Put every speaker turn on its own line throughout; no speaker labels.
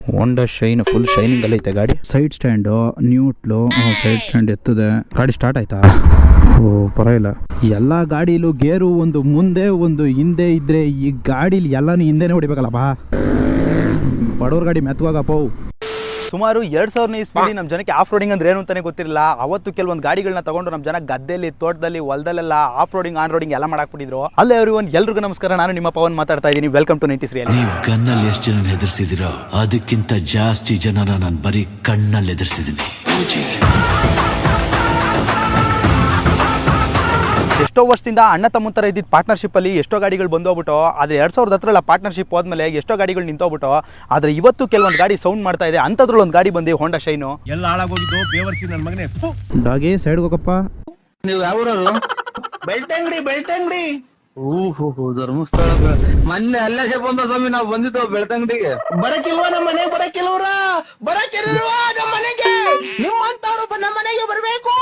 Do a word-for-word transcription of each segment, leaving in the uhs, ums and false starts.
ಹೋಂಡಾ shine full shining ಅಲ್ಲಿ ಐತೆ ಗಾಡಿ. Side stand neutral side stand ಎತ್ತದೆ. ಗಾಡಿ ಸ್ಟಾರ್ಟ್ ಆಯ್ತಾ? ಓ ಪರವಾಗಿಲ್ಲ. ಎಲ್ಲ ಗಾಡಿಲೂ ಗೇರು ಒಂದು ಮುಂದೆ ಒಂದು ಹಿಂದೆ ಇದ್ರೆ ಈ ಗಾಡಿಲಿ ಎಲ್ಲಾನು ಹಿಂದೆನೇ ಹೊಡಿಬೇಕಲ್ಲಪ್ಪ. ಬಡವ್ರ ಗಾಡಿ ಮೆತ್ತವಾಗಪ್ಪ.
ಸುಮಾರು ಎರಡು ಸಾವಿರ ಇಸ್ವಿಲಿ ನಮ್ಮ ಜನಕ್ಕೆ ಆಫ್ ರೋಡಿಂಗ್ ಅಂದ್ರೆ ಏನು ಅಂತಾನೆ ಗೊತ್ತಿರಲಿಲ್ಲ. ಅವತ್ತು ಕೆಲವೊಂದು ಗಾಡಿಗಳನ್ನ ತಗೊಂಡು ನಮ್ಮ ಜನ ಗದ್ದೆಯಲ್ಲಿ, ತೋಟದಲ್ಲಿ, ಹೊಲದಲ್ಲೆಲ್ಲ ಆಫ್ ರೋಡಿಂಗ್, ಆನ್ ರೋಡಿಂಗ್ ಎಲ್ಲ ಮಾಡಾಕ್ಬಿಟ್ಟಿದ್ರು. ಅಲ್ಲೇ ಎವ್ರಿವನ್, ಎಲ್ರಿಗೂ ನಮಸ್ಕಾರ. ನಾನು ನಿಮ್ಮ ಪವನ್ ಮಾತಾಡ್ತಾ ಇದ್ದೀನಿ. Welcome to nineties real.
ನೀವು ಗನ್ನಲ್ಲಿ ಎಷ್ಟು ಜನ ಹೆದರ್ಸಿದಿರೋ ಅದಕ್ಕಿಂತ ಜಾಸ್ತಿ ಜನನ ನಾನು ಬರೀ ಕಣ್ಣಲ್ಲಿ ಹೆದರ್ಸಿದ್ದೀನಿ.
ಎಷ್ಟೋ ವರ್ಷದಿಂದ ಅಣ್ಣ ತಮ್ಮ ಥರ ಇದ್ದಿದ್ದು ಪಾರ್ಟ್ನರ್ಶಿಪ್ ಅಲ್ಲಿ ಎಷ್ಟೋ ಗಾಡಿಗಳು ಬಂದೋಗ್ಬಿಟ್ಟು, ಆದರೆ ಎರಡ್ ಸಾವಿರದ ಹತ್ತರಲ್ಲ ಪಾರ್ಟ್ನರ್ಶಿಪ್ ಹೋದ್ಮೇಲೆ ಎಷ್ಟೋ ಗಾಡಿಗಳು ನಿಂತೋಗ್ಬಿಟ್ಟು, ಆದರೆ ಇವತ್ತು ಕೆಲವೊಂದು ಗಾಡಿ ಸೌಂಡ್ ಮಾಡ್ತಾ ಇದೆ. ಅಂಥದ್ರಲ್ಲಿ ಒಂದು ಗಾಡಿ ಬಂದು ಹೋಂಡಾ ಶೈನು.
ಎಲ್ಲ ಹಾಳಾಗೋಗಿದ್ದು ಬೇವರ್ಸಿ ನನ್ನ ಮಗನೇ.
ಡಾಗಿ ಸೈಡ್ ಹೋಗಪ್ಪ.
ನೀವು ಯಾವ್ರವರು? ಬೆಳ್ತಂಗಡಿ ಬೆಳ್ತಂಗಡಿ ಓಹೋ ಧರ್ಮಸ್ಥಳ. ಮೊನ್ನೆ ಅಲ್ಲೇ ಬಂದ ಸ್ವಾಮಿ, ನಾವು ಬಂದಿದ್ದು ಬೆಳ್ತಂಗಡಿಗೆ. ಬರಕಿಲ್ವಾ ನಮ್ಮ ಮನೆಗೆ? ಬರಕಿಲ್ವ್ರ ಬರಕಿಲ್ವಾ ನಮ್ಮ ಮನೆಗೆ? ನಿಮ್ಮಂತವ್ರು ನಮ್ಮ ಮನೆಗೆ ಬರಬೇಕು.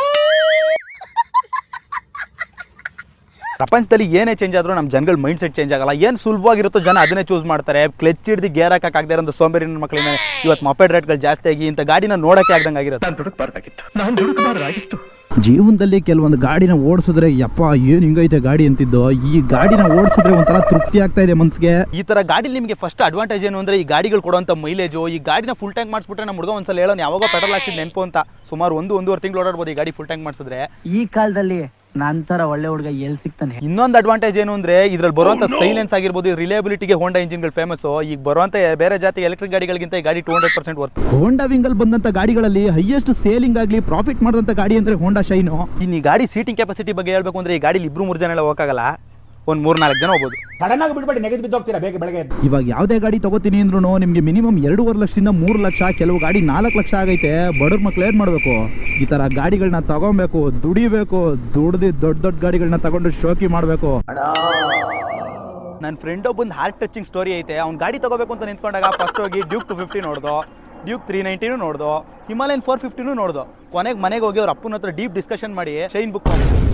ಪ್ರಪಂಚದಲ್ಲಿ ಏನೇ ಚೇಂಜ್ ಆದರೂ ನಮ್ಮ ಜನಗಳ ಮೈಂಡ್ ಸೆಟ್ ಚೇಂಜ್ ಆಗಲ್ಲ. ಏನು ಸುಲಭವಾಗಿರುತ್ತೋ ಜನ ಅದನ್ನೇ ಚೂಸ್ ಮಾಡ್ತಾರೆ. ಕ್ಲಚ್ ಹಿಡಿದು ಗೇರ್ ಹಾಕಕ್ಕಾಗದೇ ಇರೋ ಸೋಂಬೇರಿ ಮಕ್ಕಳಿಂದ ಇವತ್ತು ಮೊಪೆಡ್ ರೇಟ್ಗಳು ಜಾಸ್ತಿ ಆಗಿ ಇಂಥ ಗಾಡಿನ ನೋಡೋಕ್ಕೆ ಆಗ್ದಂಗೆ ಆಗಿರುತ್ತೆ.
ಜೀವನದಲ್ಲಿ ಕೆಲವೊಂದು ಗಾಡಿನ ಓಡಿಸಿದ್ರೆ ಯಪ್ಪ ಏನು ಹಿಂಗೈತೆ ಗಾಡಿ ಅಂತಿದ್ದು, ಈ ಗಾಡಿನ ಓಡಿಸಿದ್ರೆ ಒಂಥರ ತೃಪ್ತಿ ಆಗ್ತಾ ಇದೆ ಮನ್ಸಿಗೆ.
ಈ ತರ ಗಾಡಿ ನಿಮಗೆ ಫಸ್ಟ್ ಅಡ್ವಾಂಟೇಜ್ ಏನು ಅಂದ್ರೆ, ಈ ಗಾಡಿಗಳು ಕೊಡುವಂತ ಮೈಲೇಜು. ಈ ಗಾಡಿನ ಫುಲ್ ಟ್ಯಾಂಕ್ ಮಾಡಿಸ್ಬಿಟ್ರೆ ನಮ್ಮ ಹುಡುಗ ಒಂದ್ಸಲ ಹೇಳೋನು, ಯಾವಾಗ ಪೆಟ್ರೋಲ್ ಹಾಕ್ಸಿದ್ ನೆನಪು ಅಂತ. ಸುಮಾರು ಒಂದು ಒಂದೂವರೆ ತಿಂಗಳು ಓಡಾಡ್ಬೋದು ಈ ಗಾಡಿ ಫುಲ್ ಟ್ಯಾಂಕ್ ಮಾಡಿಸಿದ್ರೆ.
ಈ ಕಾಲದಲ್ಲಿ ನಂತರ ಒಳ್ಳೆ ಹುಡುಗ ಎಲ್ಲಿ ಸಿಗ್ತಾನೆ?
ಇನ್ನೊಂದು ಅಡ್ವಾಂಟೇಜ್ ಏನು ಅಂದ್ರೆ, ಇದ್ರಲ್ಲಿ ಬರುವಂತ ಸೈಲೆನ್ಸ್ ಆಗಿರ್ಬೋದು, ರಿಲೇಬಿಲಿಟಿಗೆ ಹೋಂಡಾ ಇಂಜಿನ್ಗಳು ಫೇಮಸ್. ಈಗ ಬರುವಂತ ಬೇರೆ ಜಾತಿ ಎಲೆಕ್ಟ್ರಿಕ್ ಗಾಡಿಗಳಿಗಿಂತ ಈ ಗಾಡಿ two hundred percent worth.
Honda ವಿಂಗಲ್ ಬಂದಂತ ಗಾಡಿಗಳಲ್ಲಿ ಹೈಯೆಸ್ಟ್ ಸೇಲಿಂಗ್ ಆಗಲಿ ಪ್ರಾಫಿಟ್ ಮಾಡಿದಂತ ಗಾಡಿ ಅಂದ್ರೆ ಹೋಂಡಾ ಶೈನು.
ಇನ್ನು ಈ ಗಾಡಿ ಸೀಟಿಂಗ್ ಕೆಪಾಸಿಟಿ ಬಗ್ಗೆ ಹೇಳ್ಬೇಕು ಅಂದ್ರೆ, ಈ ಗಾಡಿಲಿ ಇಬ್ರು ಮೂರು ಜನ ಎಲ್ಲ ಹೋಗಲ್ಲ, ಒಂದ್ ಮೂರ್ ನಾಲ್ಕು ಜನ ಹೋಗ್ಬೋದು.
ಸಡನ್ ಆಗಿ ಬಿಡ್ಬೇಡಿ, ನೆಗೆದು ಬಿದ್ದೋಗ್ತೀರಾ ಬೇಗ ಬೆಳಗ್ಗೆ.
ಇವಾಗ ಯಾವುದೇ ಗಾಡಿ ತಗೋತೀನಿ ಅಂದ್ರೂ ನಿಮಗೆ ಮಿನಿಮಮ್ ಎರಡೂವರೆ ಲಕ್ಷದಿಂದ ಮೂರು ಲಕ್ಷ, ಕೆಲವು ಗಾಡಿ ನಾಲ್ಕು ಲಕ್ಷ ಆಗೈತೆ. ಬಡವ್ರ ಮಕ್ಳು ಏನ್ ಮಾಡಬೇಕು? ಈ ತರ ಗಾಡಿಗಳನ್ನ ತಗೊಬೇಕು, ದುಡಿಬೇಕು, ದುಡ್ದು ದೊಡ್ಡ ದೊಡ್ಡ ಗಾಡಿಗಳನ್ನ ತಗೊಂಡು ಶೋಕಿ ಮಾಡಬೇಕು.
ನನ್ನ ಫ್ರೆಂಡ್ ಒಬ್ಬಂದು ಹಾರ್ಟ್ ಟಚಿಂಗ್ ಸ್ಟೋರಿ ಐತೆ. ಅವ್ನು ಗಾಡಿ ತಗೋಬೇಕು ಅಂತ ನಿಂತ್ಕೊಂಡಾಗ ಫಸ್ಟ್ ಹೋಗಿ ಡ್ಯೂಕ್ ಟು ಫಿಫ್ಟಿ ನೋಡ್ದು, ಡ್ಯೂಕ್ ತ್ರೀ ನೈಂಟಿನೂ ನೋಡ್ದು, ಹಿಮಾಲಯನ್ ಫೋರ್ ಫಿಫ್ಟಿನೂ ನೋಡ್ದು. ಕೊನೆಗೆ ಮನೆಗೆ ಹೋಗಿ ಅವ್ರ ಅಪ್ಪನ ಹತ್ರ ಡೀಪ್ ಡಿಸ್ಕಷನ್ ಮಾಡಿ ಶೈನ್ ಬುಕ್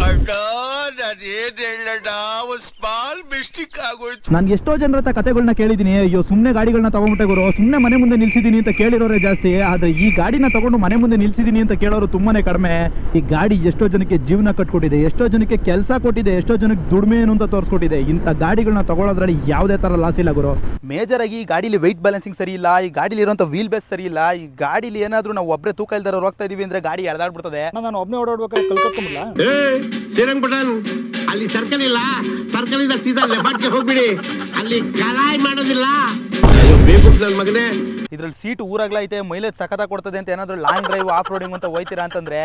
ನಾನು ಎಷ್ಟೋ ಜನರ ಹತ್ರ ಕತೆಗಳನ್ನ ಕೇಳಿದೀನಿ. ಅಯ್ಯೋ ಸುಮ್ಮನೆ ಗಾಡಿಗಳನ್ನ ತಗೊಂಡ್ಬಿಟ್ಟೆ ಗುರು, ಸುಮ್ಮನೆ ಮನೆ ಮುಂದೆ ನಿಲ್ಸಿದೀನಿ ಅಂತ ಕೇಳಿರೋರೇ ಜಾಸ್ತಿ. ಆದ್ರೆ ಈ ಗಾಡಿನ ತಗೊಂಡು ಮನೆ ಮುಂದೆ ನಿಲ್ಸಿದೀನಿ ಅಂತ ಕೇಳೋರು ತುಂಬಾನೇ ಕಡಿಮೆ. ಈ ಗಾಡಿ ಎಷ್ಟೋ ಜನಕ್ಕೆ ಜೀವನ ಕಟ್ಕೊಟ್ಟಿದೆ, ಎಷ್ಟೋ ಜನಕ್ಕೆ ಕೆಲಸ ಕೊಟ್ಟಿದೆ, ಎಷ್ಟೋ ಜನಕ್ಕೆ ದುಡಿಮೆ ಏನು ಅಂತ ತೋರಿಸ್ಕೊಟ್ಟಿದೆ. ಇಂಥ ಗಾಡಿಗಳನ್ನ ತಗೊಳ್ಳೋದ್ರಲ್ಲಿ ಯಾವುದೇ ತರ ಲಾಸ್ ಇಲ್ಲ ಗುರು.
ಮೇಜರ್ ಆಗಿ ಈ ಗಾಡಿಲಿ ವೆಯ್ಟ್ ಬ್ಯಾಲೆನ್ಸಿಂಗ್ ಸರಿ ಇಲ್ಲ, ಈ ಗಾಡಿಲಿ ಇರುವಂತ ವೀಲ್ ಬೇಸ್ ಸರಿ ಇಲ್ಲ. ಈ ಗಾಡಿಲಿ ಏನಾದ್ರೂ ನಾವು ಒಬ್ಬರೇ ತೂಕ ಇಲ್ದಾರ ಹೋಗ್ತಾ ಇದೀವಿ ಅಂದ್ರೆ ಗಾಡಿ ಎಳ್ದಾಡ್ಬಿಡ್ತದೆ.
ನಾನು ಒಬ್ಬನೇ ಓಡಾಡ್ಬೇಕಾದ್ರೆ ಕಲ್ಕೊತ್ಕೊಂಬಿಡ್ಲ.
ಶ್ರೀರಂಗಪಟ್ಟಣ ಅಲ್ಲಿ ಸರ್ಕಲ್ ಇಲ್ಲ, ಸರ್ಕಲ್ ಇಂದ ಸೀದಾ ಲೆಫ್ಟ್ಗೆ ಹೋಗ್ಬಿಡಿ, ಅಲ್ಲಿ ಕಲಾಯಿ ಮಾಡೋದಿಲ್ಲ. ಅಯ್ಯೋ ಬೇಕು ನನ್ನ ಮಗನೇ.
ಇದ್ರಲ್ಲಿ ಸೀಟ್ ಊರಾಗ್ಲ ಐತೆ, ಮೈಲೇಜ್ ಸಖತ ಕೊಡ್ತದೆ ಅಂತ ಏನಾದ್ರು ಲಾಂಗ್ ಡ್ರೈವ್, ಆಫ್ ರೋಡಿಂಗ್ ಅಂತ ಹೋಯ್ತೀರಾ ಅಂತಂದ್ರೆ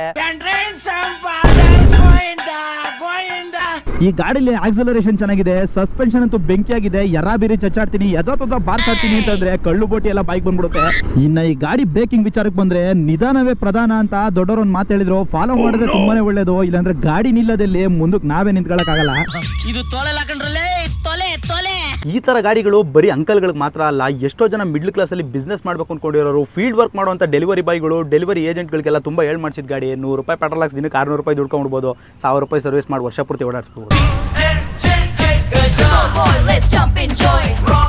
ಈ ಗಾಡಿಲಿ ಆಕ್ಸಲರೇಷನ್ ಚೆನ್ನಾಗಿದೆ, ಸಸ್ಪೆನ್ಷನ್ ಅಂತೂ ಬೆಂಕಿಯಾಗಿದೆ. ಯರಾ ಬೇರೆ ಚಚ್ಚಾಡ್ತೀನಿ, ಎದೋ ಬಾರ್ಸಾಡ್ತೀನಿ ಅಂತಂದ್ರೆ ಕಳ್ಳು ಬೋಟಿ ಎಲ್ಲ ಬೈಕ್ ಬಂದ್ಬಿಡುತ್ತೆ. ಇನ್ನ ಈ ಗಾಡಿ ಬ್ರೇಕಿಂಗ್ ವಿಚಾರಕ್ಕೆ ಬಂದ್ರೆ, ನಿಧಾನವೇ ಪ್ರಧಾನ ಅಂತ ದೊಡ್ಡವರು ಒಂದು ಮಾತು ಹೇಳಿದ್ರು. ಫಾಲೋ ಮಾಡಿದ್ರೆ ತುಂಬಾನೇ ಒಳ್ಳೇದು, ಇಲ್ಲಾಂದ್ರೆ ಗಾಡಿ ನಿಲ್ಲದಲ್ಲಿ ಮುಂದಕ್ಕೆ ನಾವೇ ನಿಂತ್ಕೊಳಕ್ ಆಗಲ್ಲ.
ಇದು ತೊಲೆ ಹಾಕೊಂಡ್ರಲ್ಲೇ ತೊಲೆ ತೊಲೆ.
ಈ ತರ ಗಾಡಿಗಳು ಬರೀ ಅಂಕಲ್ಗಳಿಗೆ ಮಾತ್ರ ಅಲ್ಲ, ಎಷ್ಟೋ ಜನ ಮಿಡ್ಲ್ ಕ್ಲಾಸ್ ಅಲ್ಲಿ ಬಿಸ್ನೆಸ್ ಮಾಡ್ಬೇಕು ಅನ್ಕೊಂಡಿರೋರು, ಫೀಲ್ಡ್ ವರ್ಕ್ ಮಾಡುವಂತ ಡೆಲಿವರಿ ಬಾಯ್ಗಳು, ಡೆಲಿವರಿ ಏಜೆಂಟ್ಗಳಿಗೆಲ್ಲ ತುಂಬಾ ಹೇಳ್ ಮಾಡಿಸಿದ ಗಾಡಿ. ನೂರು ರೂಪಾಯಿ ಪೆಟ್ರೋಲ್ ಹಾಕ್ಸ್ ದಿನಕ್ಕೆ ಆರ್ನೂರು ರೂಪಾಯಿ ದುಡ್ಕೊಂಡ್ಬಿಡ್ಬೋದು, ಸಾವಿರ ರೂಪಾಯಿ ಸರ್ವಿಸ್ ಮಾಡಿ ವರ್ಷ ಪೂರ್ತಿ ಓಡಾಡಿಸ್ಬೋದು.